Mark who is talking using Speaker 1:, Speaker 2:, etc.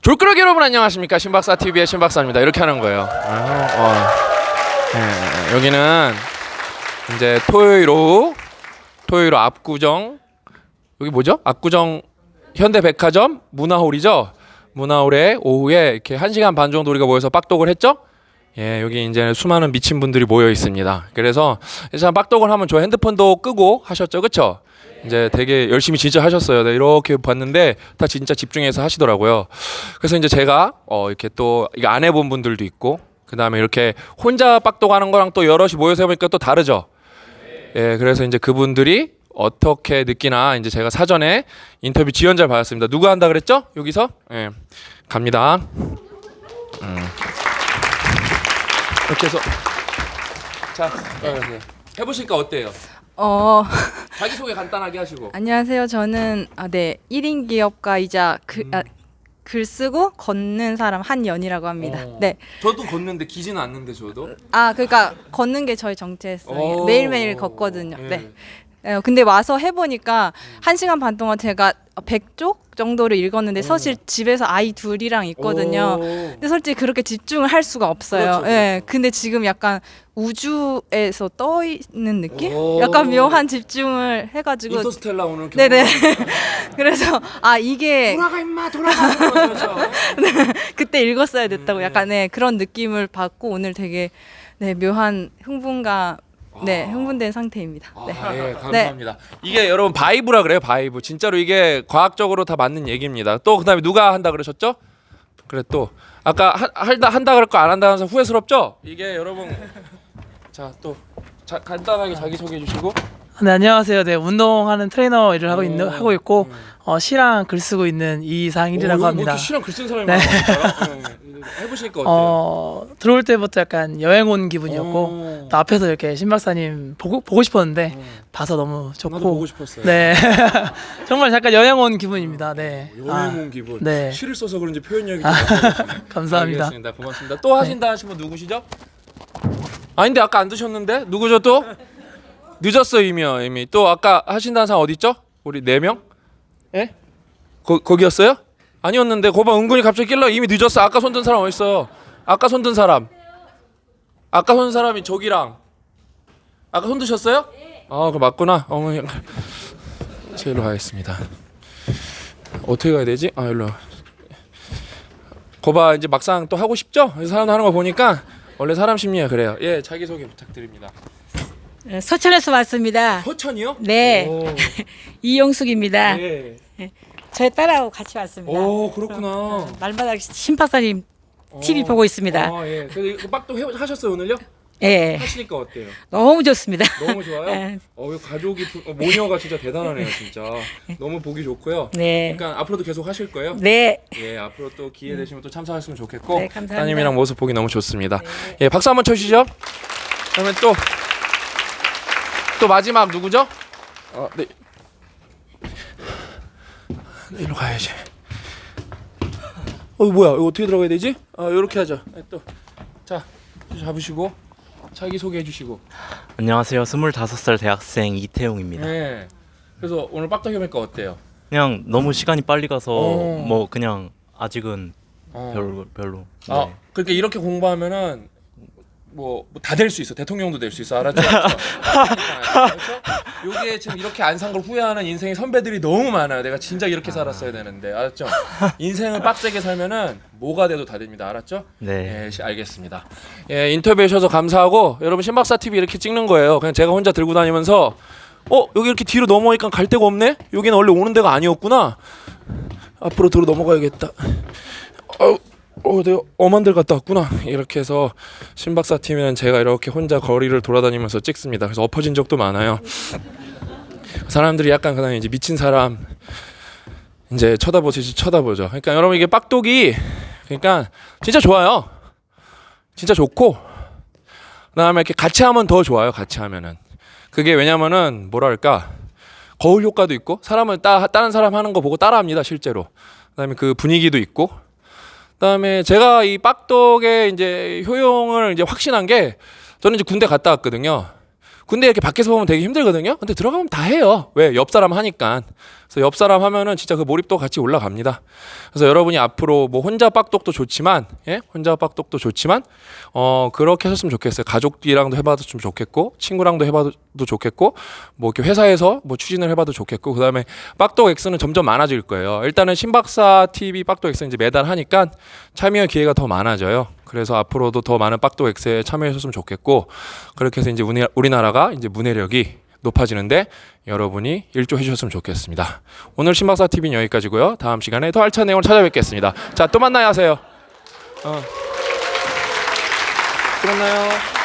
Speaker 1: 졸끄러기 여러분 안녕하십니까? 신박사 TV의 신박사입니다. 이렇게 하는 거예요. 여기는 이제 토요일 오후 압구정, 여기 뭐죠? 압구정 현대백화점 문화홀이죠. 문화홀에 오후에 이렇게 1시간 반 정도 우리가 모여서 빡독을 했죠. 예, 여기 이제 수많은 미친 분들이 모여 있습니다. 그래서 참 빡독을 하면 저 핸드폰도 끄고 하셨죠, 그렇죠? 이제 되게 열심히 진짜 하셨어요. 네, 이렇게 봤는데 다 진짜 집중해서 하시더라고요. 그래서 이제 제가 이렇게 또 이거 안 해본 분들도 있고, 그 다음에 이렇게 혼자 빡독하는 거랑 또 여럿이 모여서 해보니까 또 다르죠. 예, 그래서 이제 그분들이 어떻게 느끼나 이제 제가 사전에 인터뷰 지원자를 받았습니다. 누가 한다 그랬죠? 여기서? 예, 갑니다. 이렇게 해서 자, 해보시니까 어때요? 자기소개 간단하게 하시고.
Speaker 2: 안녕하세요. 저는 1인 기업가이자 글 쓰고 걷는 사람 한연이라고 합니다. 네.
Speaker 1: 저도 걷는데 기지는 않는데 저도.
Speaker 2: 그러니까 걷는 게 저희 정체성이에요. 매일매일 걷거든요.
Speaker 1: 예.
Speaker 2: 네. 근데 와서 해보니까 1시간 반 동안 제가 100쪽 정도를 읽었는데 사실 집에서 아이 둘이랑 있거든요. 근데 솔직히 그렇게 집중을 할 수가 없어요.
Speaker 1: 그렇죠,
Speaker 2: 예.
Speaker 1: 그렇죠.
Speaker 2: 근데 지금 약간 우주에서 떠 있는 느낌? 약간 묘한 집중을 해가지고.
Speaker 1: 인터스텔라 오늘
Speaker 2: 네네. 그래서 이게
Speaker 1: 돌아가 임마 돌아가. 그렇죠.
Speaker 2: 그때 읽었어야 됐다고 약간 그런 느낌을 받고 오늘 되게 묘한 흥분과 흥분된 상태입니다. 네.
Speaker 1: 예, 감사합니다. 이게 여러분 바이브라 그래요, 바이브. 진짜로 이게 과학적으로 다 맞는 얘기입니다. 또 그다음에 누가 한다 그러셨죠? 그래 또 아까 한다 그럴 거 안 한다 해서 후회스럽죠? 이게 여러분 간단하게 자기 소개해 주시고.
Speaker 3: 네, 안녕하세요. 네, 운동하는 트레이너 일을 하고 있고 시랑 글 쓰고 있는 이상일이라고 합니다.
Speaker 1: 시랑 글 쓴 사람이 많아요. 해보시니까 어때요?
Speaker 3: 들어올 때부터 약간 여행 온 기분이었고 또 앞에서 이렇게 신 박사님 보고 싶었는데 봐서 너무 좋고.
Speaker 1: 나도 보고 싶었어요.
Speaker 3: 네, 정말 잠깐 여행 온 기분입니다. 네,
Speaker 1: 여행 온 기분.
Speaker 3: 네.
Speaker 1: 시를 써서 그런지 표현력이
Speaker 3: 감사합니다.
Speaker 1: 알겠습니다. 고맙습니다. 또 하신다 하신 분 누구시죠? 아닌데 아까 안 드셨는데 누구죠 또? 늦었어 이미. 또 아까 하신다는 사람 어디 있죠? 우리 4명? 예? 거기였어요? 아니었는데 거봐 은근히 갑자기 낄러 이미 늦었어. 아까 손든 사람 어디 있어? 아까 손든 사람이 저기랑 아까 손 드셨어요? 그거 맞구나. 어머니 제일로 가겠습니다. 어떻게 가야 되지? 일로. 거봐 이제 막상 또 하고 싶죠? 사람 하는 거 보니까 원래 사람 심리가 그래요. 예, 자기 소개 부탁드립니다.
Speaker 4: 서천에서 왔습니다.
Speaker 1: 서천이요?
Speaker 4: 네. 이용숙입니다.
Speaker 1: 네.
Speaker 4: 저희 딸하고 같이 왔습니다.
Speaker 1: 그렇구나.
Speaker 4: 말마다 신박사님 TV 보고 있습니다.
Speaker 1: 예. 그래서 이거 빡도 하셨어요 오늘요?
Speaker 4: 예.
Speaker 1: 하시니까 어때요?
Speaker 4: 너무 좋습니다.
Speaker 1: 너무 좋아요?
Speaker 4: 네.
Speaker 1: 가족이 모녀가 진짜 대단하네요 진짜. 너무 보기 좋고요.
Speaker 4: 네.
Speaker 1: 그러니까 앞으로도 계속 하실 거예요?
Speaker 4: 네.
Speaker 1: 예, 앞으로 또 기회 되시면 또 참석하시면 좋겠고.
Speaker 4: 네, 감사합니다.
Speaker 1: 따님이랑 모습 보기 너무 좋습니다.
Speaker 4: 네.
Speaker 1: 예, 박수 한번 쳐주시죠. 그러면 또 마지막 누구죠? 네. 이리로 가야지. 뭐야? 이거 어떻게 들어가야 되지? 이렇게 하자. 자, 잡으시고 자기 소개해 주시고.
Speaker 5: 안녕하세요. 25살 대학생 이태용입니다.
Speaker 1: 네. 그래서 오늘 빡빡이 해보니까 어때요?
Speaker 5: 그냥 너무 시간이 빨리 가서
Speaker 1: 어.
Speaker 5: 그냥 아직은 별로. 네.
Speaker 1: 그러니까 이렇게 공부하면은 다 될 수 있어. 대통령도 될 수 있어. 알았죠? 그렇죠? 요게 지금 이렇게 안 산 걸 후회하는 인생의 선배들이 너무 많아요. 내가 진짜 이렇게 살았어야 되는데. 알았죠? 인생을 빡세게 살면은 뭐가 돼도 다 됩니다. 알았죠?
Speaker 5: 네.
Speaker 1: 예, 알겠습니다. 예, 인터뷰해 주셔서 감사하고 여러분 신박사 TV 이렇게 찍는 거예요. 그냥 제가 혼자 들고 다니면서 여기 이렇게 뒤로 넘어가니까 갈 데가 없네? 여기는 원래 오는 데가 아니었구나. 앞으로 들어 넘어가야겠다. 내가 엄한 데 갔다 왔구나. 이렇게 해서 신박사 팀은 제가 이렇게 혼자 거리를 돌아다니면서 찍습니다. 그래서 엎어진 적도 많아요. 사람들이 약간 그냥 이제 미친 사람 이제 쳐다보듯이 쳐다보죠. 그러니까 여러분 이게 빡독이 그러니까 진짜 좋아요. 진짜 좋고 그다음에 이렇게 같이 하면 더 좋아요. 같이 하면은 그게 왜냐면은 뭐랄까 거울 효과도 있고 사람을 다른 사람 하는 거 보고 따라합니다. 실제로. 그다음에 그 분위기도 있고. 그다음에 제가 이 빡독의 이제 효용을 이제 확신한 게 저는 이제 군대 갔다 왔거든요. 근데 이렇게 밖에서 보면 되게 힘들거든요. 근데 들어가면 다 해요. 왜? 옆 사람 하니까. 그래서 옆 사람 하면은 진짜 그 몰입도 같이 올라갑니다. 그래서 여러분이 앞으로 뭐 혼자 빡독도 좋지만, 예, 혼자 빡독도 좋지만, 그렇게 하셨으면 좋겠어요. 가족이랑도 해봐도 좀 좋겠고, 친구랑도 해봐도 좋겠고, 뭐 이렇게 회사에서 뭐 추진을 해봐도 좋겠고, 그다음에 빡독 X는 점점 많아질 거예요. 일단은 신박사 TV 빡독 X 이제 매달 하니까 참여 기회가 더 많아져요. 그래서 앞으로도 더 많은 빡독 X에 참여하셨으면 좋겠고, 그렇게 해서 이제 우리나라가 이제 문해력이 높아지는데 여러분이 일조해 주셨으면 좋겠습니다. 오늘 신박사 TV는 여기까지고요. 다음 시간에 더 알찬 내용을 찾아뵙겠습니다. 자, 또 만나요 하세요. 또 만나요.